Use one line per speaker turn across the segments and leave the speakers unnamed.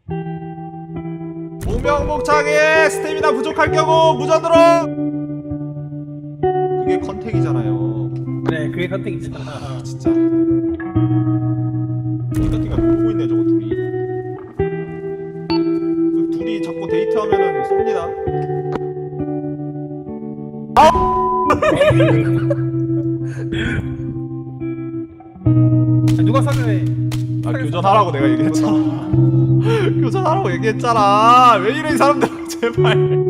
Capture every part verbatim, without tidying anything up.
무명목창에 스태미나 부족할 경우 무전으로. 그게 컨택이잖아요.
그래 그게 컨택이잖아.
아, 진짜 띵가띵가 놀고 있네 저거 둘이. 그 둘이 자꾸 데이트하면은 쏩니다.
누가 사과해?
아 교전하라고 내가 얘기했잖아. 교전하라고 얘기했잖아. 왜 이래 이 사람들. 제발.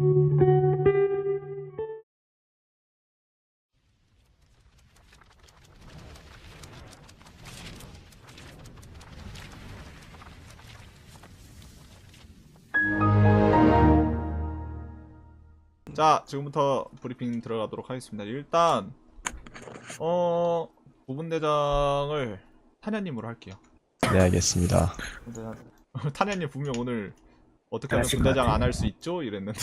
자, 지금부터 브리핑 들어가도록 하겠습니다. 일단 어... 부분대장을 탄야님으로 할게요.
네, 알겠습니다.
탄야님 분명 오늘 어떻게 하면
하실 것
분대장
같아.
안 할 수 있죠? 이랬는데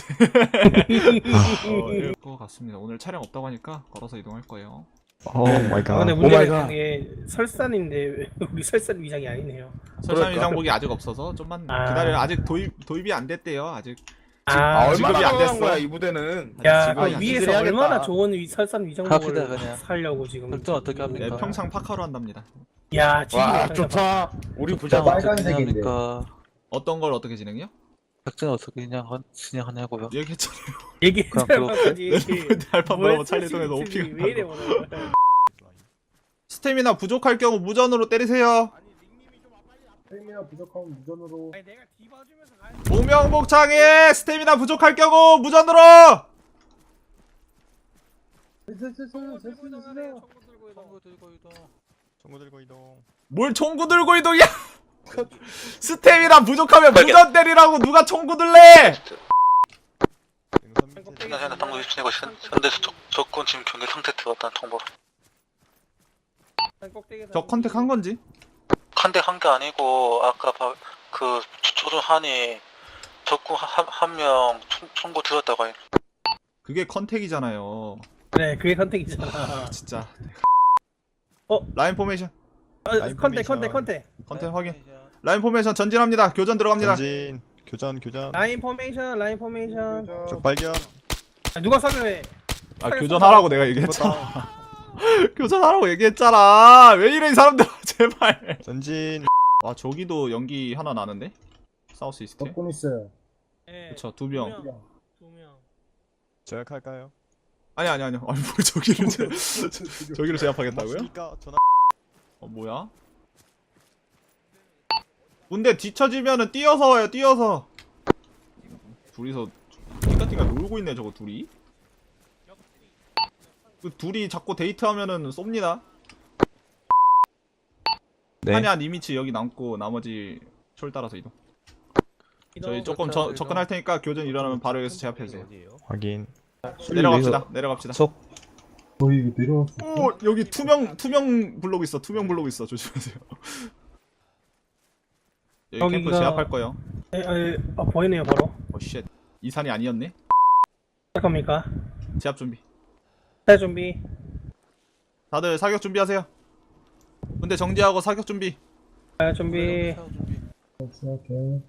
어, 이럴 것 같습니다. 오늘 촬영 없다고 하니까 걸어서 이동할 거예요.
오 마이
아,
갓.
근데
오 마이
문제는
갓.
이게 설산인데 우리 설산 위장이 아니네요.
설산 위장복이 아직 없어서 좀만
아.
기다려요. 아직 도입, 도입이 안 됐대요. 아직
아,
지금-
얼마나
지급이 안
나간
됐어.
거야 이 부대는.
야,
지금
그
안
위에서
됐어.
얼마나 좋은 위, 설산 위장복을
갑시다, 그냥.
살려고 지금.
설정 어떻게 합니까?
네, 평창 파카로 한답니다.
야, 지금
와
어떡하냐.
좋다. 우리 부자.
작전 어떻게 진행합니까?
어떤 걸 어떻게 진행해요?
작전 어떻게 그냥 진행하냐고요?
얘기했잖아요.
얘기했잖아까지.
알파브라보 찰리동에서 오피가
왜 이래 오늘.
스태미나 부족할 경우 무전으로 때리세요.
스태미나 부족하면 무전으로.
아니, 내가 뒤봐주면서 가야
무명목창에 스태미나 부족할 경우 무전으로.
청구 들고 이동.
청구 들고 이동.
뭘 총구 들고 이동이야? 스태미나 부족하면 무전 때리라고 누가 총구 들래?
현재 현재 당구 입신이고 현대 적 적군 지금 경계 상태 들어갔다는 통보.
저 컨택 한 건지?
한대 한 게 아니고 아까 바, 그 조준하니 적군 한 명 총구 들었다고 해.
그게 컨택이잖아요.
그래, 그게 컨택이잖아.
진짜.
어?
라인 포메이션.
어,
라인
컨택, 컨택,
포메이션.
컨택.
컨택 확인. 라인 포메이션 전진합니다. 교전 들어갑니다.
전진. 교전 교전.
라인 포메이션, 라인 포메이션.
적 발견.
아, 누가 사과해?
아 교전하라고 내가 얘기했잖아. 교전하라고 얘기했잖아. 왜 이래 이 사람들. 제발.
전진.
아 저기도 연기 하나 나는데? 사우스 이스트.
적군 있어요.
네.
그쵸 두 명.
두 명.
제압할까요?
아니 아니 아니요. 아니 뭐 저기를 제, 저기를 제압하겠다고요?
맞습니까? 전화.
어 뭐야? 근데 뒤처지면은 뛰어서 와요. 뛰어서. 둘이서 띵가띵가 놀고 있네 저거 둘이. 그 둘이 자꾸 데이트하면은 쏩니다.
네.
한야 니미치 여기 남고 나머지 촐 따라서 이동. 저희 조금 저, 접근할 테니까 교전 일어나면 바로 여기서 제압해주세요.
확인.
내려갑시다. 내려갑시다.
속.
어 이거 내려왔어.
오 여기 투명 투명 블록 있어. 투명 블록 있어. 조심하세요. 여기 캠프
여기가-
제압할 거예요.
에, 에, 아, 보이네요, 바로.
어 쉣. 이 산이 아니었네.
할 겁니까?
제압 준비.
새 준비.
다들 사격 준비하세요. 근데 정지하고 사격 준비.
새 준비.
오케이.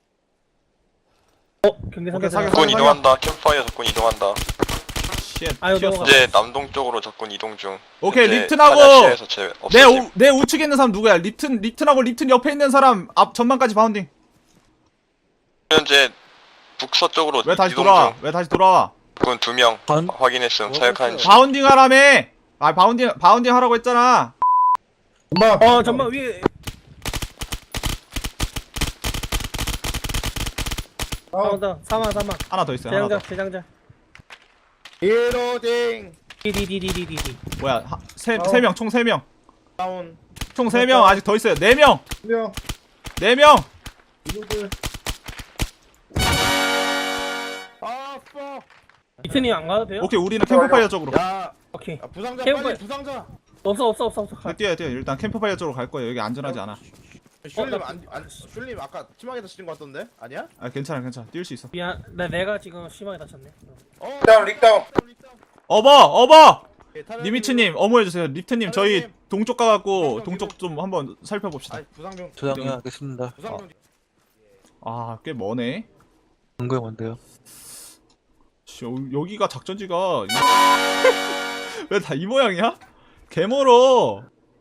어, 경계 상태.
오케이, 사격.
적군 이동한다. 캠프파이어 적군 이동한다.
쉣.
아유,
튀었어.
넘어가.
이제 남동 쪽으로 적군 이동 중.
오케이
현재
립튼하고
하나시에서 제
내,
없어짐.
우, 내 우측에 있는 사람 누구야? 립튼 립튼하고 립튼 옆에 있는 사람 앞 전망까지 바운딩.
현재 북서쪽으로
왜 다시
이동
돌아와?
중.
왜 다시 돌아와?
적군 두 명
반-
확인했음. 사격한 중.
바운딩 하라며. 아 바운딩 바운딩 하라고 했잖아.
엄마.
어, 잠만 위에.
아,
사망, 사망, 사망.
하나 더 있어요. 하나
재장자,
더.
재장자.
이로딩
디디디디디디.
뭐야?
아우.
세세 명 총 세 명.
다운.
총 세 명 아직 더 있어요. 네 명.
명.
네 명.
이거들.
아 뻐.
이튼이 안 가도 돼요?
오케이 우리는 캠프파이어 쪽으로.
야,
오케이.
야 부상자
캠프.
빨리 부상자.
없어, 없어, 없어, 없어. 가.
뛰어요 뛰어. 일단 캠프파이어 쪽으로 갈 거예요. 여기 안전하지 않아.
슐님 안, 안 슐님 아까 심하게 다치는 거 같던데? 아니야?
아 괜찮아 괜찮아. 뛸 수 있어.
미안, 나 내가 지금 심하게 다쳤네.
어. 다운 릭다운.
어버 어버.
예,
니미츠님 어머해주세요. 립트님 저희
타령님.
동쪽 가갖고 동쪽 좀 한번 살펴봅시다.
아니 부상병.
저장해 하겠습니다.
부상병.
아, 꽤 머네.
뭔가요, 뭔데요?
씨, 여, 여기가 작전지가 왜 다 이 모양이야? 개 멀어.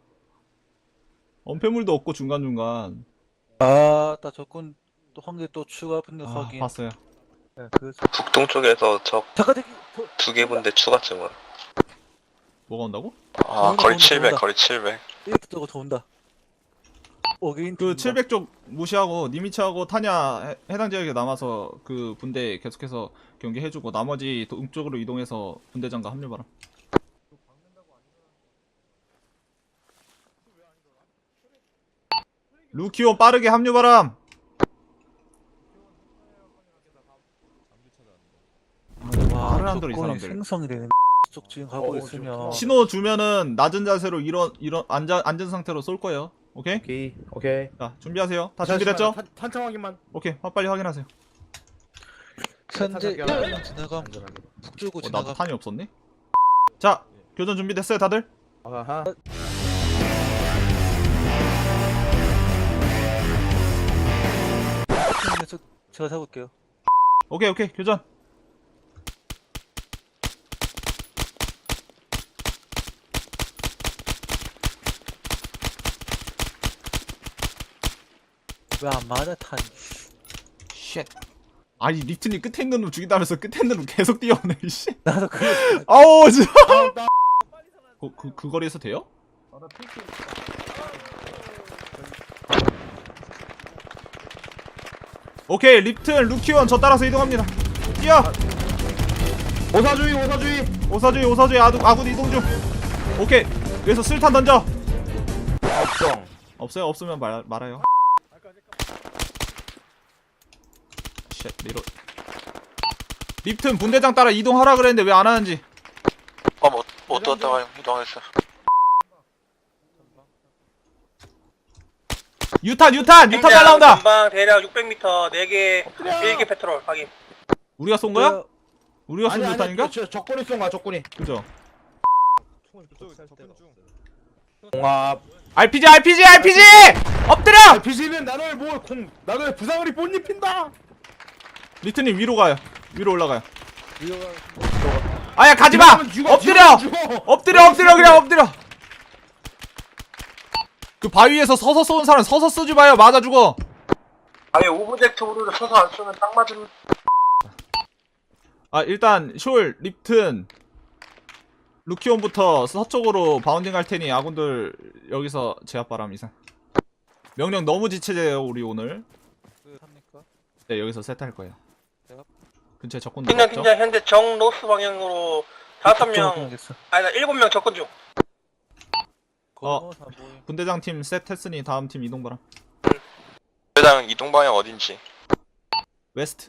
엄폐물도 없고 중간중간.
아, 나 적군 또 한 개 또 추가 분대
아,
확인.
봤어요.
네, 그래서
북동쪽에서 적
잠깐 대기.
두 개 분대 추가 증원.
뭐가 온다고?
아,
온다,
거리
온다,
칠백,
온다.
거리 칠백.
이렇게 뜨고 더 온다. 어게인
그 칠백 쪽 무시하고 니미츠하고 타냐 해, 해당 지역에 남아서 그 분대 계속해서 경기해주고 나머지 동쪽으로 이동해서 분대장과 합류 바람. 루키온 빠르게 합류 바람.
와,
말을 안 들어, 이
적군이
사람들.
생성이 되는 쪽 지금 가고
어,
있으면
신호 주면은 낮은 자세로 일어 일어 앉아 앉은 상태로 쏠 거예요. 오케이?
오케이 오케이.
자 준비하세요. 다 준비됐죠?
탄- 탄창 확인만.
오케이. 빨리 확인하세요.
현재
탄창
일본 지나감
안전하게.
북쪽으로
어, 나도
지나감.
탄이 없었네. 자 교전 준비됐어요, 다들?
아하.
저, 제가 잡을게요.
오케이 오케이 교전.
왜 안 맞아 탄?
쉣. 아니 리튼이 끝에 있는 놈 죽인다면서 끝에 있는 놈 계속 뛰어오네. 씨.
나도 그거
아우 진짜. 그, 그, 그 거리에서 돼요? 오케이 립튼 루키원 저 따라서 이동합니다. 뛰어.
오사주의 오사주의.
오사주의 오사주의 아군 아군 이동 중. 오케이 여기서 술탄 던져.
없정.
없어요? 없으면 말 말아요. 쉣 리로. 립튼 분대장 따라 이동하라 그랬는데 왜 안 하는지.
어, 못, 못 떴다가 이동했어.
유탄 유탄 유탄 날라온다.
전방 대략 육백 미터 네 개, 일 개 페트롤 확인.
우리가 쏜 거야? 우리가 쏜
아니
유탄인가?
아니 저 적군이 쏜 거야 적군이.
그죠?
공합.
알피지 알피지 알피지! 엎드려!
비지는 나를 뭐공 나를 부상을 못 입힌다.
리트님 위로 가요. 위로 올라가요. 아야 가지마!
죽어, 죽어,
엎드려!
죽어.
엎드려 엎드려 그냥 엎드려. 그 바위에서 서서 쏘는 사람 서서 쏘지 마요. 맞아 죽어.
아예 오브젝트 우르를 서서 안 쓰면 딱 맞은.
아 일단 숄 립튼 루키온부터 서쪽으로 바운딩 할 테니 아군들 여기서 제압 바람 이상. 명령 너무 지체돼요 우리 오늘.
그 합니까?
네 여기서 세트할 거예요.
제압.
근처에 적군들
팀장
없죠?
팀장 현재 정 노스 방향으로 다섯 명, 아니다 일곱 명 접근 중.
어. 분대장 팀 셋했으니 다음 팀 이동 바람.
대장 이동 방향 어딘지.
웨스트.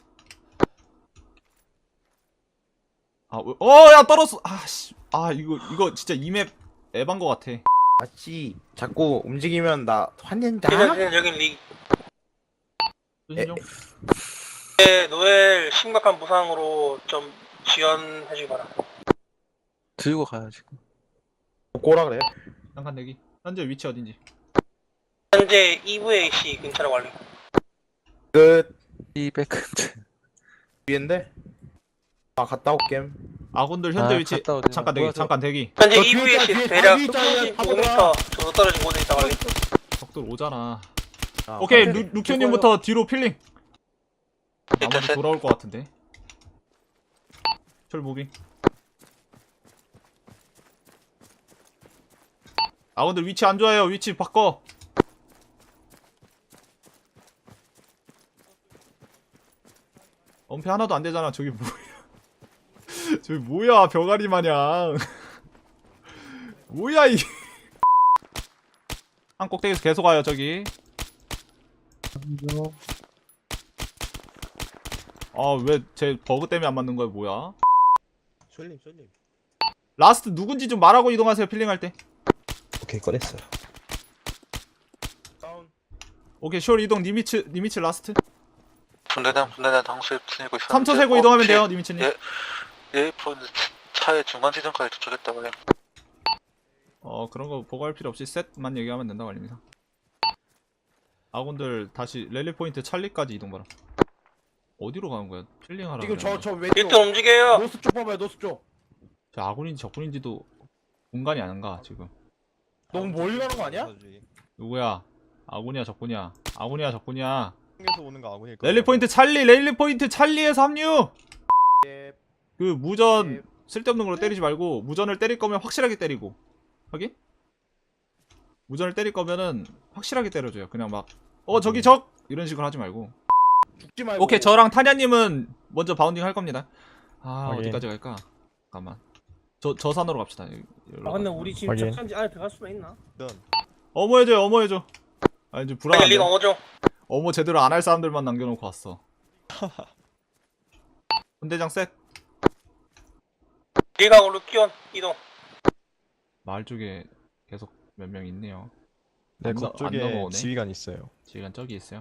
아, 왜- 어, 야 떨었어. 아, 씨. 아, 이거 이거 진짜 이맵 에반 거 같아.
마치 자꾸 움직이면 나 화낸다.
팀장 팀장 여긴 리.
조심 좀.
네, 노엘 심각한 부상으로 좀 지원해주기 바라.
들고 가야지.
꼬라 그래.
잠깐 대기. 현재 위치 어딘지.
현재 이브에이씨 근처로 완료.
끝.
이백 근처.
위인데. 아 갔다 올게.
아군들 현재
아,
위치.
갔다 오지.
잠깐 대기.
뭐야, 저-
잠깐 대기.
현재
저 뒤에
이브에이씨
있잖아, 뒤에
대략
바위 있잖아,
십오 미터 정도 떨어진 곳에 있다 완료.
적들 오잖아.
아,
오케이,
오케이.
루, 루키오님부터 뒤로 필링.
일단
나머지
셋.
돌아올 것 같은데. 철 무빙. 아군들 위치 안 좋아요. 위치 바꿔. 엄폐 하나도 안 되잖아. 저기 뭐야? 저기 뭐야? 병아리 마냥. 뭐야 이게? 한 꼭대기에서 계속 와요 저기. 아 왜 제 버그 때문에 안 맞는 거야 뭐야?
쏠림 쏠림.
라스트 누군지 좀 말하고 이동하세요 필링할 때.
오케이 꺼냈어요.
다운.
오케이 숄 이동 니미츠 니미츠 라스트.
분대장 분대장 당수에 틀리고 있어.
삼 초 세고 이동하면 돼요 니미츠님.
예, 예, 포인트 차의 중간 지점까지 도착했다고 해.
어 그런 거 보고할 필요 없이 셋만 얘기하면 된다고 알립니다. 아군들 다시 랠리 포인트 찰리까지 이동 바람. 어디로 가는 거야? 필링하라.
지금
그랬는데.
저저 왼쪽
일 등 움직여요.
노스 쪽 봐봐요 노스 쪽.
저 아군인지 적군인지도 공간이 안 가 지금.
너무 멀리 가는 거 아니야?
누구야? 아군이야 적군이야? 아군이야 적군이야?
에서 오는 거 아군일 거예요.
랠리 포인트 찰리, 랠리 포인트 찰리에서 합류.
예.
그 무전 쓸데없는 걸로 때리지 말고 무전을 때릴 거면 확실하게 때리고. 확인? 무전을 때릴 거면은 확실하게 때려줘요. 그냥 막 어 저기 적 이런 식으로 하지 말고.
죽지 말고.
오케이 저랑 타냐님은 먼저 바운딩 할 겁니다. 아
확인.
어디까지 갈까? 잠깐만. 저 저 산으로 갑시다. 여기, 여기로
아 근데
가자.
우리 지금
확인.
착한지 안에 들어갈 수나 있나?
일단
어머 해줘 어머 해줘. 아 이제
일
불안한데.
리가 어죠.
어머 제대로 안 할 사람들만 남겨놓고 왔어. 분대장 셋.
리각으로 끼원 이동.
마을 쪽에 계속 몇 명 있네요.
네,
안 너- 안
그쪽에
넘어오네.
지휘관 있어요.
지금 저기 있어요.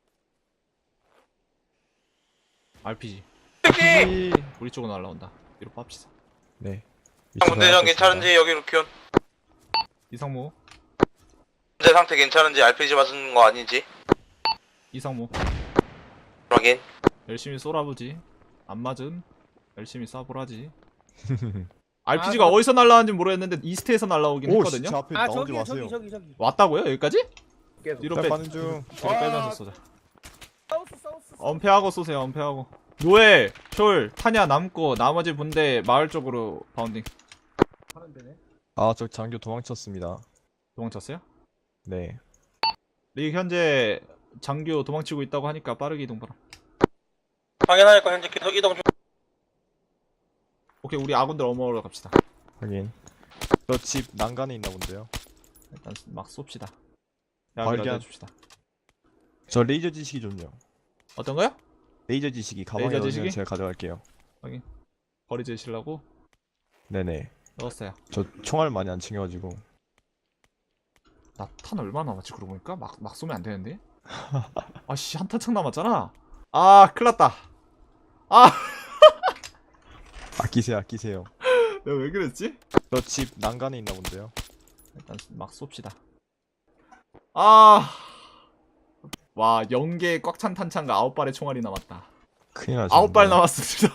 알피지.
특히
우리 쪽으로 날라온다. 뒤로 빱시다.
네.
군대장 괜찮은지 여기로 기원.
이상무.
현재 상태 괜찮은지 알피지 맞은 거 아닌지
이상무.
확인.
열심히 쏘라보지. 안 맞음. 열심히 쏴보라지. 알피지가 어디서 날라왔는지 모르겠는데 이스트에서 날라오긴
오,
했거든요.
저 앞에
아
나오지
저기
마세요.
저기 저기 저기.
왔다고요? 여기까지?
계속.
뒤로
나
빼.
가는 중.
뒤로 빼면서 쏘자.
사우스 사우스.
엄폐하고 쏘세요. 엄폐하고. 노엘, 숄, 타냐 남고 나머지 분대 마을 쪽으로 바운딩.
하는 데네.
아, 저 장교 도망쳤습니다.
도망쳤어요?
네.
리 현재 장교 도망치고 있다고 하니까 빠르게 이동 바람.
확인하니까 현재 계속 이동 중.
오케이 우리 아군들 어머로 갑시다.
확인. 저 집 난간에 있나 본데요.
일단 막 쏩시다.
발견.
야기라도 해줍시다.
저 레이저 지식이 좀요.
어떤 거요?
레이저 지식이 가방에
레이저
넣으시면
지식이?
제가 가져갈게요.
거리 재시려고
네네.
넣었어요.
저 총알 많이 안 챙겨가지고.
나 탄 얼마 남았지 그러고 보니까? 막, 막 쏘면 안 되는데? 아씨 한 탄창 남았잖아. 아 큰일났다. 아
아끼세요, 아끼세요.
내가 왜 그랬지?
저 집 난간에 있나 본데요.
일단 막 쏩시다. 아. 와 영 개 꽉 찬 탄창과 아홉 발의 총알이 남았다.
큰일 나죠.
아홉 발 남았습니다.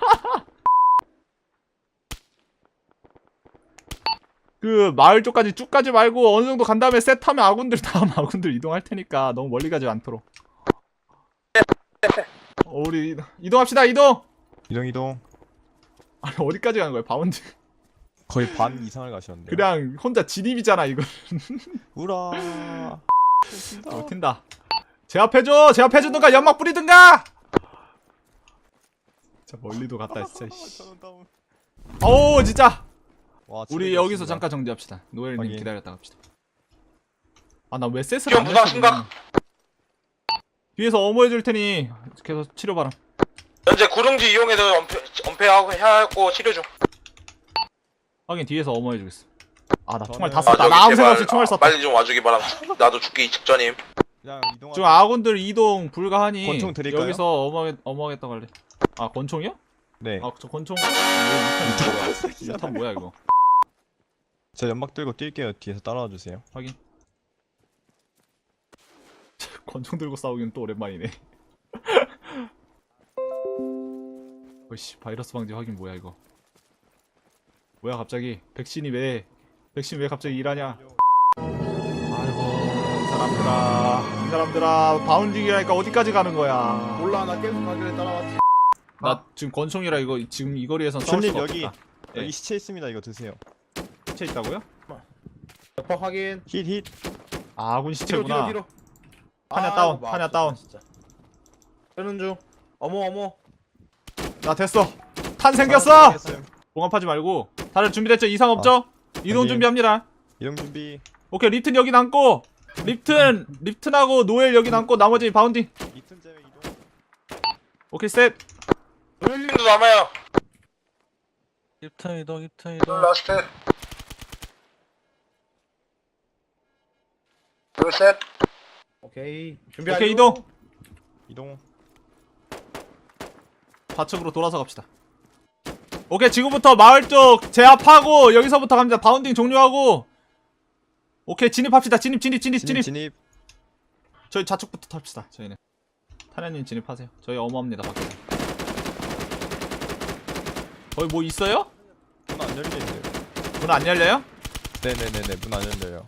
그 마을 쪽까지 쭉 가지 말고 어느 정도 간 다음에 셋하면 아군들 다음 아군들 이동할 테니까 너무 멀리 가지 않도록. 어, 우리 이동합시다 이동.
이동 이동.
아니 어디까지 가는 거야 바운드?
거의 반 이상을 가셨는데.
그냥 혼자 진입이잖아 이거.
우라.
어, 튄다. 제압해줘 제압해주든가 연막 뿌리든가. 자 멀리도 갔다 진짜. 씨. 어우 진짜.
와,
우리 여기서 잠깐 정지합시다. 노엘님
확인.
기다렸다 갑시다. 아 나 왜 셋을
지금
안
부상
했어,
심각.
그냥. 뒤에서 어머해줄 테니 계속 치료 바람.
현재 구릉지 이용해서 엄폐, 엄폐하고 하고 치료 중.
확인 뒤에서 어머해주겠어. 아 나 총알
저는-
다
아,
썼다.
저기
나 아무 생각
제발,
없이 총알
아,
썼다.
빨리 좀 와주기 바람. 나도 죽기 직전임.
그냥 이동.
지금 아군들 이동 불가하니
권총 드릴까요?
여기서 어머하겠, 어머하겠다고 할래. 아 권총이요?
네.
아 저 권총. 이 탄 뭐야 이거.
저 연막 들고 뛸게요. 뒤에서 따라와 주세요.
확인. 권총 들고 싸우기는 또 오랜만이네. 어이씨 바이러스 방지 확인 뭐야 이거. 뭐야 갑자기 백신이 왜 백신 왜 갑자기 일하냐. 아이고 이 사람들아 이 사람들아 바운딩이라니까 어디까지 가는 거야.
몰라 나 계속 가길래 따라왔지.
나 지금 권총이라 이거 지금 이 거리에선 싸울
손님
수가
여기
없다.
여기
네.
시체 있습니다. 이거 드세요.
시체 있다고요?
버 확인.
힛 힛.
아, 아군
뒤로
시체구나.
뒤로 뒤로.
타냐
아,
다운,
이거
타냐
아프다,
다운.
진짜. 뜨는 중. 어머 어머.
나 됐어. 탄 생겼어. 봉합하지 말고. 다들 준비됐죠? 이상 없죠? 이동
확인.
준비합니다.
이동 준비.
오케이 립튼 여기 남고. 립튼 립튼하고 노엘 여기 남고 나머지 바운딩.
이틈 제외 이동.
오케이 셋.
노엘님도 남아요.
입턴 이동 입턴 이동.
라스트. 둘 셋.
오케이. 준비.
오케이 이동.
이동.
좌측으로 돌아서 갑시다. 오케이 지금부터 마을 쪽 제압하고 여기서부터 갑니다. 바운딩 종료하고. 오케이 진입합시다. 진입 진입 진입 진입.
진입 진입.
저희 좌측부터 탑시다. 저희는 타냐님 진입하세요. 저희 어마합니다. 밖에. 거기 뭐 있어요?
문 안 열리는데요.
문 안 열려요?
네네네네 문 안 열려요.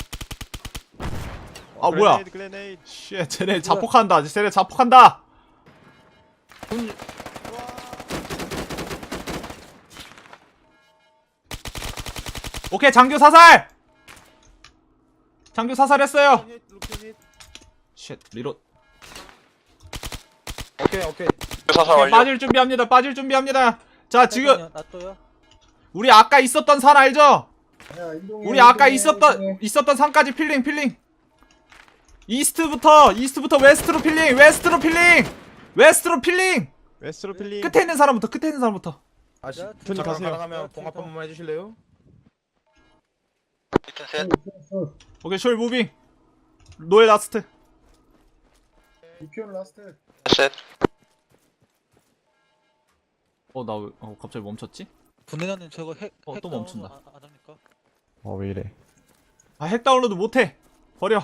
아 뭐야?
글레네이드, 글레네이드.
쉣, 쟤네 자폭한다. 쟤네 자폭한다. 오케이, 장교 사살. 장교 사살했어요. 쉣, 리로.
오케이 오케이.
사살
오케이,
완료.
빠질 준비합니다. 빠질 준비합니다. 자, 지금
놔둬요.
우리 아까 있었던 산 알죠?
야, 이동해,
우리 아까
이동해,
있었던
이동해.
있었던 산까지 필링 필링. 이스트부터 이스트부터 웨스트로 필링. 웨스트로 필링. 웨스트로 필링.
웨스트로 필링.
끝에 있는 사람부터 끝에 있는 사람부터.
아씨
야,
잠깐
가세요.
가능하면 봉합 한 번만 해주실래요?
일단 셋.
오케이, 숄 무빙. 노엘 라스트.
이피온 라스트.
셋.
어, 나 왜, 어, 갑자기 멈췄지?
분해자님 저거 핵.
어,
핵
또
다운
멈춘다.
안, 안 합니까?
어 왜 이래?
아, 핵 다운로드 못해. 버려.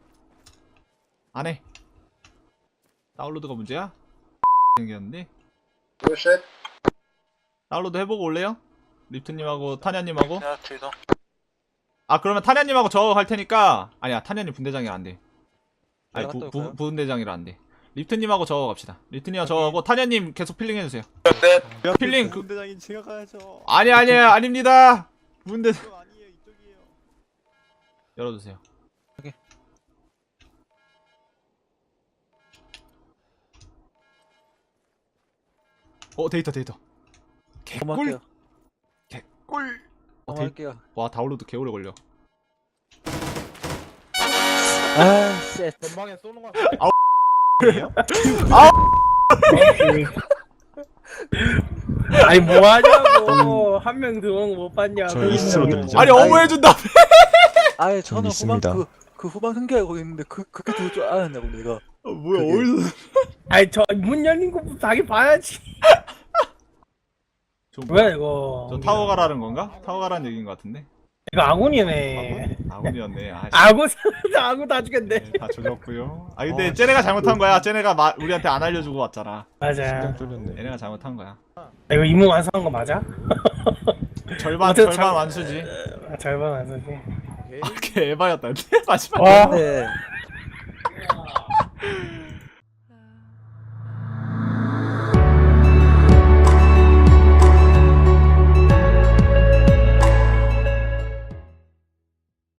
안 해. 다운로드가 문제야? 생겼는데.
셋.
다운로드 해보고 올래요? 리프트님하고 타냐님하고.
스나트 이동.
아, 그러면 타냐님하고 저 할 테니까. 아니야, 타냐님 분대장이라 안 돼. 아니,
내가
부,
갔다
부,
올까요?
부분대장이라 안 돼. 리프트님하고 저 갑시다. 리프트님하고 저하고 타냐님 계속 필링해주세요.
셋.
필링 그-
군대장인 제가 가야죠.
아니, 아니, 아닙니다. 분대.
이쪽 아니에요 이쪽이에요.
열어주세요.
오케이.
어, 데이터, 데이터. 개꿀.
넘어갈게요.
개꿀. 어, 데이...
넘어갈게요.
와, 다운로드 개오래 걸려.
아, 쉣.
전방에 쏘는 거.
아니 뭐 하냐고. 한 명 들어오는 거 못 봤냐.
저 이스트로 들리죠?
아니, 어머해준다.
아예 저는 후방
있습니다.
그, 그 후방 흥계하고 있는데 그 그렇게 들을 줄 알았냐고 내가.
어, 뭐야,
그게-
어디서.
아니 저 문 열린 거부터 자기 봐야지.
저,
왜 이거?
저 타워 가라는 건가? 타워 가라는 얘기인 것 같은데.
이거 아군이네.
아군이었네. 아, 씨.
아군 아군 다 죽였네.
네, 다 조졌고요. 아, 근데
어,
쟤네가 잘못한 거야. 쟤네가 마, 우리한테 안 알려주고 왔잖아.
맞아.
심장 뚫렸네.
얘네가 잘못한 거야.
이거 임무 완성한 거 맞아?
절반,
어쨌든
절반
잘-
완수지.
아, 절반 완성이.
오케이.
아, 걔 에바였다. 마지막.
와.
근데